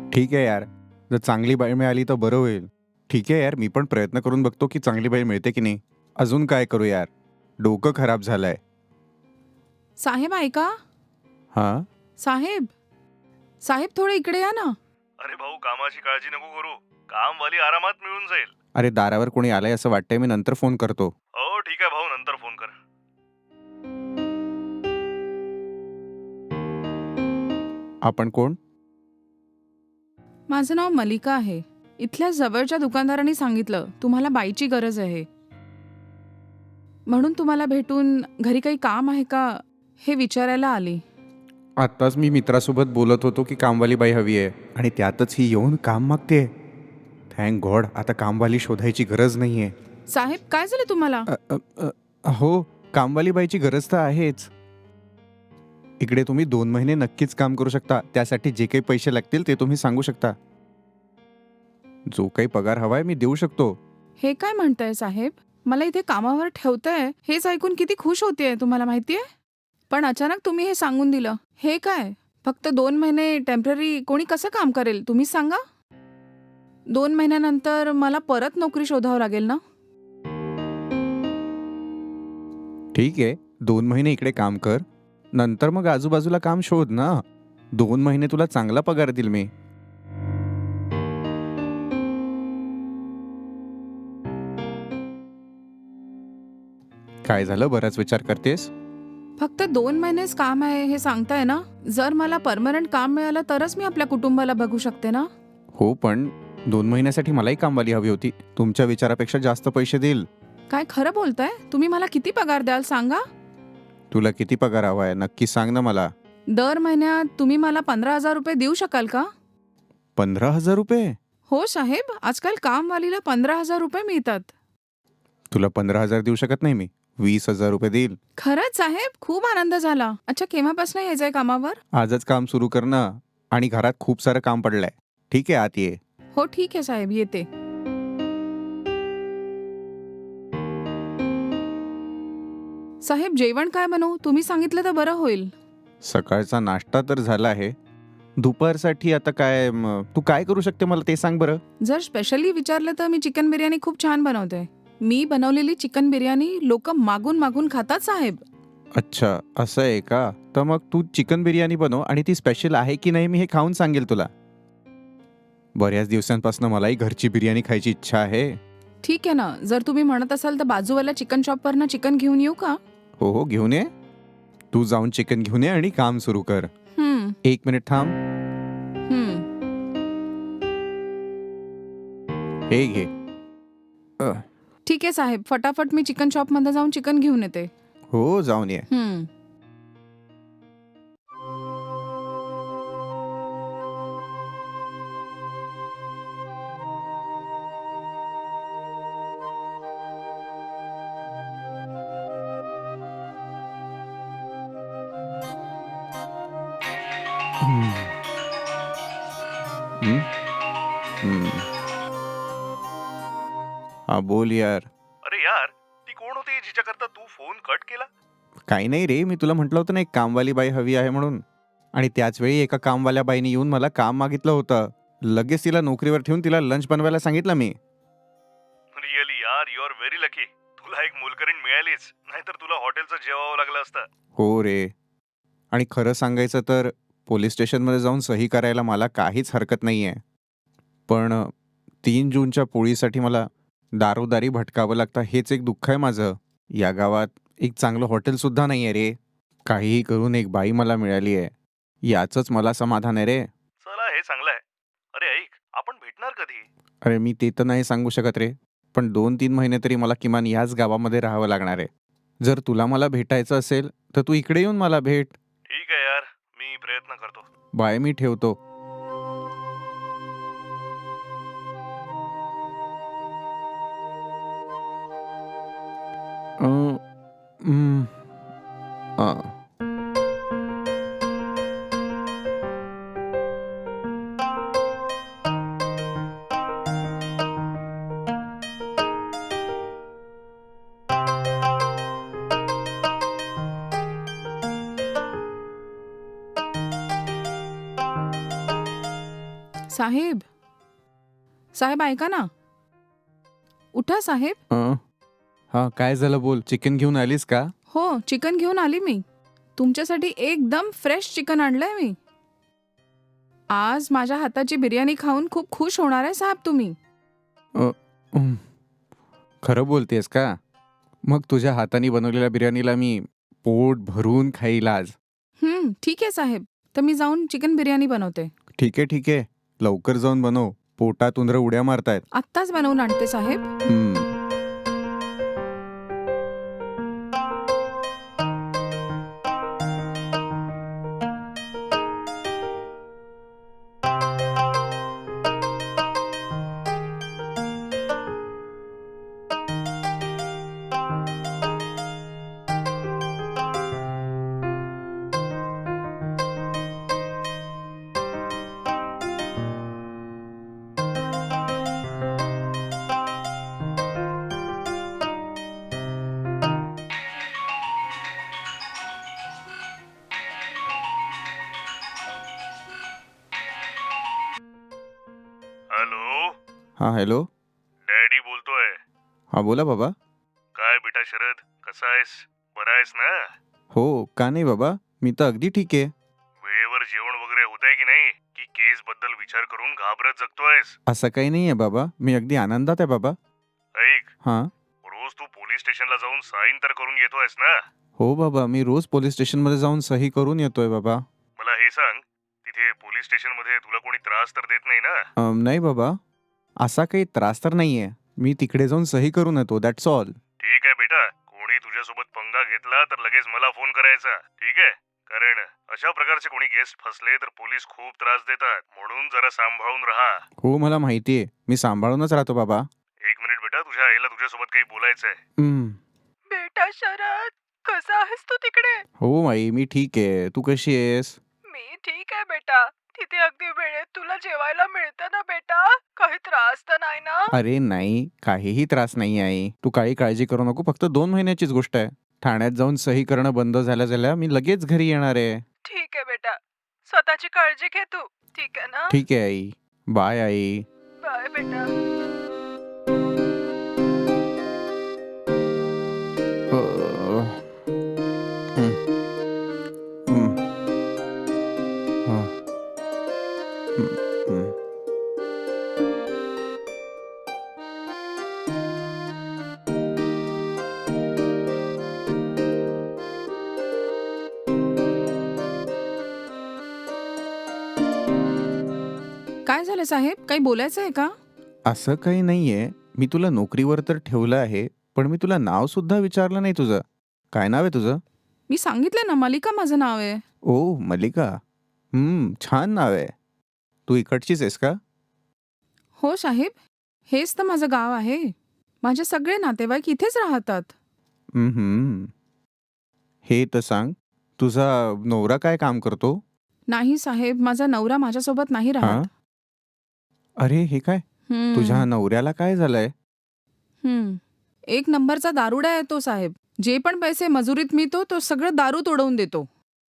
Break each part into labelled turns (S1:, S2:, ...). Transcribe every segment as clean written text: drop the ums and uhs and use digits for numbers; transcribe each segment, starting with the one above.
S1: ठीक आहे यार. जर चांगली बाई मिळाली तर बरं होईल. ठीक आहे यार, मी पण प्रयत्न करून बघतो की चांगली बाई मिळते की नाही. अजून काय करू यार? डोकं खराब झालंय.
S2: साहेब ऐका.
S1: हां?
S2: साहेब साहेब थोडे इकडे या ना.
S3: अरे भाऊ, कामाची काळजी नको करू. कामवाली आरामात मिळून जाईल.
S1: अरे दारावर कोणी आलंय असं वाटतंय, मी नंतर फोन करतो.
S3: हो ठीक आहे भाऊ, नंतर फोन कर.
S1: आपण कोण?
S2: माझं नाव मलिका आहे. इथल्या जवळच्या दुकानदारांनी सांगितलं तुम्हाला बाईची गरज आहे, म्हणून तुम्हाला भेटून घरी काही काम आहे का हे विचारायला आली.
S1: आत्ताच मी मित्रासोबत बोलत होतो की कामवाली बाई हवी आहे आणि त्यातच ही येऊन काम मागते. थँक गॉड, आता कामवाली शोधायची गरज नाही आहे.
S2: साहेब काय झालं तुम्हाला?
S1: हो, कामवाली बाईची गरज तर आहेच. इकडे तुम्ही 2 महिने नक्कीच काम करू शकता. त्यासाठी जे काही पैसे लागतील ते तुम्ही सांगू शकता. जो काही पगार हवाय मी देऊ शकतो.
S2: हे काय म्हणताय साहेब? मला इथे कामावर ठेवताय हेच ऐकून किती खुश होतीये तुम्हाला माहितीये. पण अचानक तुम्ही हे सांगून दिलं. हे काय? फक्त 2 महिने टेम्पररी कोणी कसं काम करेल तुम्हीच सांगा. 2 महिन्यानंतर मला परत नोकरी शोधावं लागेल ना.
S1: ठीक आहे, 2 महिने इकडे काम कर. नंतर मग आजूबाजूला काम शोध ना. 2 महिने तुला चांगला पगार देईल मी. काय झालं, बराच विचार करतेस?
S2: फक्त 2 महिनेच काम आहे हे सांगताय ना. जर मला परमनंट काम मिळालं तरच मी आपल्या कुटुंबाला बघू शकते ना.
S1: हो, पण 2 महिन्यासाठी मलाही कामवाली हवी होती. तुमच्या विचारापेक्षा जास्त पैसे देईल.
S2: काय खरं बोलताय? तुम्ही मला किती पगार द्याल सांगा.
S1: तुला किती पगार हवाय नक्की सांग ना मला.
S2: दर महिन्यात तुम्ही मला 15,000 रुपये देऊ शकाल का?
S1: 15,000 रुपये?
S2: हो साहेब, आजकाल कामवालीला 15,000 रुपये मिळतात.
S1: तुला 15,000 देऊ शकत नाही मी. 20,000 रुपये देईल.
S2: खरंच साहेब, खूप आनंद झाला. अच्छा, केव्हापासून यायचंय कामावर?
S1: आजच काम सुरू कर ना. आणि घरात खूप सारं काम पडलंय. ठीक आहे, आत ये.
S2: हो ठीक आहे साहेब, येते. साहेब जेवण काय बनवू? तुम्ही सांगितलं तर बरं होईल.
S1: सकाळचा नाश्ता तर झाला आहे. दुपारसाठी आता काय तू काय करू शकते मला ते सांग बरं.
S2: जर स्पेशली विचारलं तर मी चिकन बिर्याणी खूप छान बनवते. मी बनवलेली चिकन बिर्याणी लोक मागून मागून खातात साहेब.
S1: अच्छा, असं आहे का? तर मग तू चिकन बिर्याणी बनव आणि ती स्पेशल आहे की नाही मी हे खाऊन सांगेल तुला. बऱ्याच दिवसांपासून मलाही घरची बिर्याणी खायची इच्छा आहे.
S2: ठीक आहे ना, जर तुम्ही म्हणत असाल तर बाजूवाल्या चिकन शॉपवरनं चिकन घेऊन येऊ का?
S1: हो हो, घेऊन ये. तू जाऊन चिकन घेऊन ये आणि काम सुरू कर. 1 मिनिट थांब. हे घे.
S2: ठीक आहे साहेब, फटाफट मी चिकन शॉपमध्ये जाऊन चिकन घेऊन येते.
S1: हो, जाऊन ये. हम्म. हम्म? हम्म. हा बोल यार.
S3: अरे यार, ती कोण होती जिच्याकरता तू फोन कट केला?
S1: काही नाही रे, मी तुला म्हटलं होतं ना एक कामवाली बाई हवी आहे म्हणून. आणि त्याच वेळी एका कामवाल्या बाईने येऊन मला काम मागितलं होतं. लगेच तिला नोकरीवर ठेवून तिला लंच बनवायला सांगितलं मी.
S3: रिअली यार, यू आर व्हेरी लकी. तुला एक मोलकरीण मिळालीच, नाहीतर तुला हॉटेलचं जेवावं लागलं असतं.
S1: हो रे. आणि खरं सांगायचं तर पोलीस स्टेशनमध्ये जाऊन सही करायला मला काहीच हरकत नाही आहे. पण 3 जूनच्या पोळीसाठी मला दारोदारी भटकावं लागतं, हेच एक दुःख आहे माझं. या गावात एक चांगलं हॉटेलसुद्धा नाही आहे रे. काहीही करून एक बाई मला मिळाली आहे, याचंच मला समाधान आहे रे.
S3: चला, हे चांगलं आहे. अरे ऐक, आपण भेटणार कधी?
S1: अरे मी ते तर नाही सांगू शकत रे, पण 2-3 महिने तरी मला किमान याच गावामध्ये राहावं लागणार आहे. जर तुला मला भेटायचं असेल तर तू इकडे येऊन मला भेट.
S3: ठीक आहे यार, मी प्रयत्न करतो.
S1: बाय, मी ठेवतो. अं, हम्म, अं.
S2: साहेब साहेब ऐका ना. उठा साहेब.
S1: हा काय झालं बोल. चिकन घेऊन आलीस का?
S2: हो, चिकन घेऊन आली मी. तुमच्यासाठी एकदम फ्रेश चिकन आणलंय मी. आज माझ्या हाताची बिर्याणी खाऊन खूप खुश होणार आहे साहेब तुम्ही.
S1: उम्म, खरं बोलतेस का? मग तुझ्या हाताने बनवलेल्या बिर्याणीला मी पोट भरून खाईल आज.
S2: ठीक आहे साहेब. तर मी जाऊन चिकन बिर्याणी बनवते.
S1: ठीक आहे ठीक आहे. लवकर जाऊन बनव. पोटात उंदरं उड्या मारतायत.
S2: आत्ताच बनवून आणते साहेब.
S3: हॅलो,
S1: हा हॅलो.
S3: डॅडी बोलतोय.
S1: हा बोला बाबा.
S3: काय बेटा शरद, कसा आहेस? बरा आहेस ना?
S1: हो का नाही बाबा, मी तर अगदी ठीक आहे.
S3: वेळेवर जेवण वगैरे होतंय की नाही, की केस बद्दल विचार करून घाबरत जगतोयस?
S1: असं काही नाही आहे बाबा, मी अगदी आनंदात आहे बाबा.
S3: ऐक,
S1: हां.
S3: रोज तू पोलीस स्टेशनला जाऊन साईन तर करून येतोयस ना?
S1: हो बाबा, मी रोज पोलीस स्टेशनमध्ये जाऊन सही करून येतोय बाबा.
S3: मला हे सांग, तिथे पोलीस स्टेशनमध्ये तुला कोणी त्रास तर देत नाही ना?
S1: नाही बाबा, असा काही त्रास तर नाही आहे. मी तिकडे जाऊन सही करून येतो, दॅट्स ऑल.
S3: ठीक आहे बेटा, कोणी तुझ्यासोबत पंगा घेतला तर लगेच मला फोन करायचा, ठीक आहे? कारण अशा प्रकारचे कोणी गेस्ट फसले तर पोलीस खूप त्रास देतात, म्हणून जरा सांभाळून राहा.
S1: हो मला माहिती आहे, मी सांभाळूनच राहतो बाबा.
S3: एक मिनिट बेटा, तुझ्या आईला तुझ्यासोबत काही बोलायचंय.
S1: हम्म.
S2: बेटा शरद, कसा आहेस तू तिकडे?
S1: हो आई, मी ठीक आहे. तू कशी आहेस?
S2: मी ठीक आहे बेटा. तिथे अगदी वेळेत तुला जेवायला मिळतं ना बेटा? काही त्रास तर नाही ना?
S1: अरे नाही, काहीही त्रास नाही आहे. तू काही काळजी करू नको, फक्त 2 महिन्याचीच गोष्ट आहे. ठाण्यात जाऊन सही करणं बंद झाल्या मी लगेच घरी येणार आहे.
S2: ठीक आहे बेटा. स्वतःची काळजी घे तू. ठीक आहे ना?
S1: ठीक आहे आई. बाय आई.
S2: बाय बेटा.
S1: अ, हं, हं, हं, हं, हं.
S2: काय झालं साहेब? काही बोलायचं आहे का?
S1: असं काही नाहीये. मी तुला नोकरीवर तर ठेवलं आहे, पण मी तुला नाव सुद्धा विचारलं नाही तुझं. काय नाव आहे तुझं?
S2: मी सांगितलं ना, मलिका माझं नाव आहे.
S1: ओह मल्लिका. छान नाव आहे. तू इकडचीच आहेस का?
S2: हो साहेब, हेच तर माझं गाव आहे. माझे सगळे नातेवाईक इथेच राहतात.
S1: हम्म. हे तर सांग, तुझा नवरा काय काम करतो?
S2: नाही साहेब, माझा नवरा माझ्यासोबत नाही
S1: हां?
S2: राहत.
S1: अरे हे काय?
S2: हम्म,
S1: तुझ्या नवऱ्याला काय झालंय?
S2: एक नंबरचा दारुडा आहे तो साहेब. जे पण पैसे मजुरीत मिळतो तो सगळं दारूत उडवून देतो.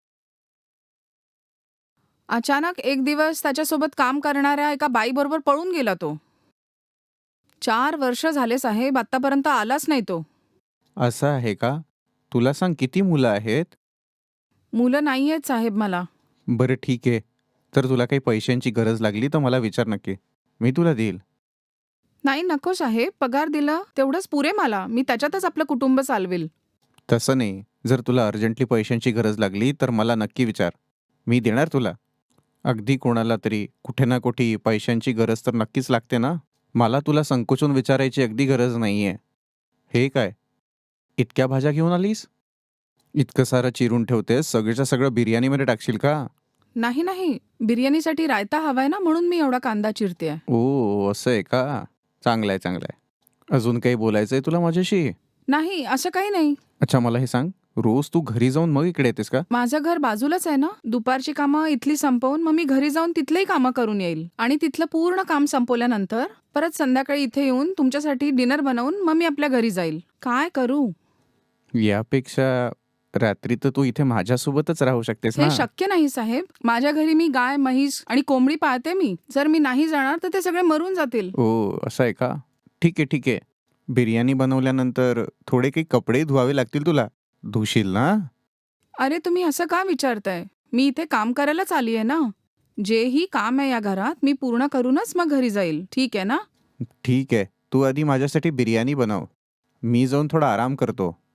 S2: अचानक एक दिवस त्याच्यासोबत काम करणाऱ्या एका बाईबरोबर पळून गेला तो. 4 वर्ष झाले साहेब, आतापर्यंत आलाच नाही तो.
S1: असं आहे का? तुला सांग किती मुलं आहेत?
S2: मुलं नाही आहेत साहेब मला.
S1: बरं ठीक आहे. तर तुला काही पैशांची गरज लागली तर मला विचार नक्की. मी तुला देईल.
S2: नाही नको साहेब, पगार दिला तेवढंच पुरे मला. मी त्याच्यातच आपलं कुटुंब चालवेल.
S1: तसं नाही. जर तुला अर्जंटली पैशांची गरज लागली तर मला नक्की विचार. मी देणार तुला. अगदी कोणाला तरी कुठे ना कुठे पैशांची गरज तर नक्कीच लागते ना. मला तुला संकोचून विचारायची अगदी गरज नाहीये. हे काय? इतक्या भाज्या घेऊन आलीस? इतकं सारं चिरून ठेवतेस, सगळीच्या सगळं बिर्याणीमध्ये टाकशील का?
S2: नाही नाही, बिर्याणीसाठी रायता हवाय ना, म्हणून मी एवढा कांदा चिरते.
S1: ओ असं आहे का? चांगलं आहे चांगलं आहे. अजून काही बोलायचंय तुला माझ्याशी?
S2: नाही, असं काही नाही.
S1: अच्छा मला हे सांग, रोज तू घरी जाऊन मग इकडे येतेस का?
S2: माझं घर बाजूलाच आहे ना. दुपारची कामं इथली संपवून मग मी घरी जाऊन तिथलेही कामं करून येईल. आणि तिथलं पूर्ण काम संपवल्यानंतर परत संध्याकाळी इथे येऊन तुमच्यासाठी डिनर बनवून मग मी आपल्या घरी जाईल. काय करू?
S1: यापेक्षा रात्री तर तू इथे माझ्यासोबतच राहू शकतेस
S2: हे
S1: ना.
S2: शक्य नाही साहेब. माझ्या घरी मी गाय, म्हैस आणि कोंबडी पाळते मी. जर मी नाही जाणार तर ते सगळे मरून जातील.
S1: ओ असं आहे का? ठीक आहे ठीक आहे. बिर्याणी बनवल्यानंतर थोडे काही कपडे धुवावे लागतील तुला. धुशील ना?
S2: अरे तुम्ही असं का विचारताय? मी इथे काम करायलाच आली आहे ना. जेही काम आहे या घरात मी पूर्ण करूनच मग घरी जाईल. ठीक आहे ना?
S1: ठीक आहे. तू आधी माझ्यासाठी बिर्याणी बनव. मी जाऊन थोडा आराम करतो.